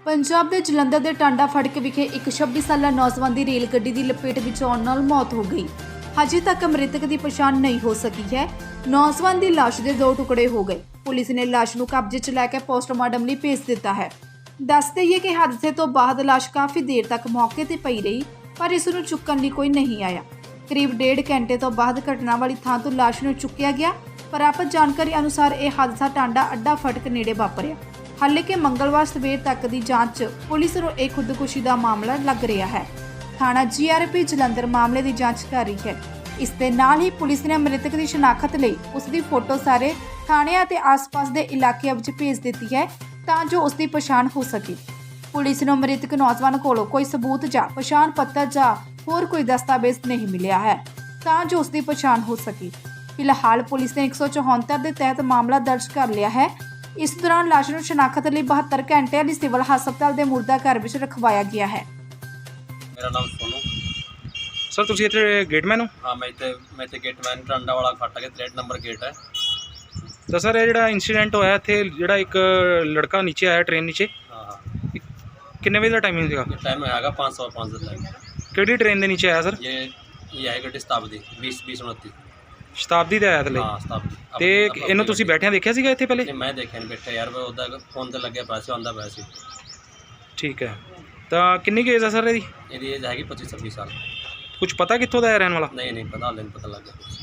पंजाब के जलंधर के टांडा फड़क विखे एक 26 साला नौजवान की रेल गड्डी की लपेट में आउण नाल मौत हो गई। अजे तक मृतक की पछाण नहीं हो सकी है। नौजवान की लाश के 2 टुकड़े हो गए। पुलिस ने लाश को कब्जे च लैके पोस्टमार्टम लिए भेज दिता है। दस दईए कि हादसे तो बाद लाश काफ़ी देर तक मौके पर पई रही, पर इसनूं चुक्कण लई कोई नहीं आया। करीब 1.5 घंटे तो बाद घटना वाली थां तो लाश नूं चुक्या गया। प्राप्त जानकारी अनुसार यह हादसा टांडा अड्डा फटक नेड़े वापरिया। हाले कि मंगलवार सवेर तक की जांच पुलिस नूं एक खुदकुशी का मामला लग रहा है। थाना GRP जलंधर मामले की जांच कर रही है। इस दे नाल ही पुलिस ने मृतक की शनाख्त लई उसकी फोटो सारे थाणिਆਂ ते आस-पास के इलाके विच भेज दी है तां जो उसकी पछाण हो सके। पुलिस नूं मृतक नौजवान कोलों कोई सबूत जां पछाण पत्र जां होर कोई दस्तावेज नहीं मिलिया है तां जो उसकी पछाण हो सके। फिलहाल पुलिस ने 174 के तहत मामला दर्ज कर लिया है। इस दौरान लाश नूं शनाख्त लई 72 घंटे ਲਈ सिविल हस्पताल के मुर्दा घर ਵਿੱਚ रखवाया गया है। मेरा नाम सोनू सर तुसी इत्थे गेटमैन हो? हाँ मैं इत्थे गेटमैन टांडा वाला फाटक है 63 नंबर गेट है। तो सर ये ਜਿਹੜਾ इंसीडेंट होया इत्थे ਜਿਹੜਾ ਇੱਕ लड़का नीचे आया ट्रेन नीचे हाँ किन्ने बजे ਦਾ टाइमिंग ਸੀਗਾ? ये टाइम हैगा 5:05 ਦਾ टाइम। ਕਿਹੜੀ ट्रेन ਦੇ नीचे आया सर? ये है गड्डी शताब्दी 2029। शताब्दी ਦੇ ਆਇਆ ਥੱਲੇ? हाँ शताब्दी। ਤੇ ਇਹਨੂੰ ਤੁਸੀਂ ਬੈਠਿਆਂ ਦੇਖਿਆ ਸੀਗਾ ਇੱਥੇ ਪਹਿਲੇ? नहीं मैं देखा नहीं बैठा यार, मैं उदा फोन ते लगे पैसे आंदा पैसे। ठीक है। ਤਾਂ ਕਿੰਨੀ ਕੁ ਏਜ ਆ ਸਰ ਇਹਦੀ? ਇਹਦੀ एज हैगी 25-26 साल। ਕੁਝ ਪਤਾ ਕਿੱਥੋਂ ਦਾ ਹੈ ਰਹਿਣ ਵਾਲਾ? नहीं पता, हाले नहीं पता लग गया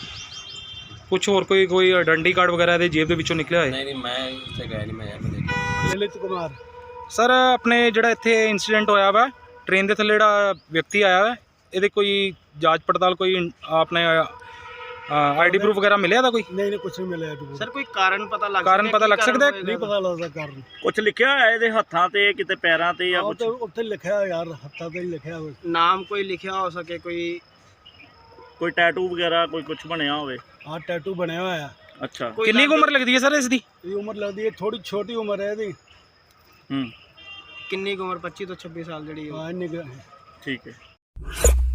ਕੁਝ ਹੋਰ ਕੋਈ ਆਇਡੈਂਟੀ ਕਾਰਡ ਵਗੈਰਾ ਇਹਦੇ ਜੇਬ ਦੇ ਵਿੱਚੋਂ ਨਿਕਲਿਆ ਹੋਏ? नहीं मैं ਉੱਥੇ गया नहीं, मैं यार नहीं देखा। ललित कुमार ਸਰ ਆਪਣੇ ਜਿਹੜਾ ਇੱਥੇ इंसीडेंट ਹੋਇਆ ਵਾ ट्रेन ਦੇ ਥੱਲੇ ਜਿਹੜਾ ਵਿਅਕਤੀ ਆਇਆ ਵਾ ਇਹਦੇ ਕੋਈ ਜਾਂਚ ਪੜਤਾਲ ਕੋਈ ਆਪਣੇ आईडी प्रूफ वगैरह मिले था कोई? नहीं कुछ नहीं मिला है। सर कोई कारण पता लग सकता है? नहीं पता लगता कारण कुछ लिखा है ਇਹਦੇ ਹੱਥਾਂ ਤੇ ਕਿਤੇ ਪੈਰਾਂ ਤੇ ਜਾਂ ਕੁਝ ਉੱਥੇ ਲਿਖਿਆ ਯਾਰ, ਹੱਥਾਂ ਤੇ ਹੀ ਲਿਖਿਆ ਹੋਇਆ। ਨਾਮ ਕੋਈ ਲਿਖਿਆ ਹੋ ਸਕੇ, ਕੋਈ ਟੈਟੂ ਵਗੈਰਾ ਕੋਈ ਕੁਝ ਬਣਿਆ ਹੋਵੇ? ਹਾਂ ਟੈਟੂ ਬਣਿਆ ਹੋਇਆ। ਅੱਛਾ ਕਿੰਨੀ ਉਮਰ ਲੱਗਦੀ ਹੈ ਸਰ ਇਸ ਦੀ? ਇਹ ਉਮਰ ਲੱਗਦੀ ਹੈ ਥੋੜੀ ਛੋਟੀ ਉਮਰ ਹੈ ਇਹਦੀ। ਕਿੰਨੀ ਉਮਰ 25 ਤੋਂ 26 ਸਾਲ ਜਿਹੜੀ ਹਾਂ ਇੰਨੀ ਕੁ ਹੈ। ਠੀਕ ਹੈ।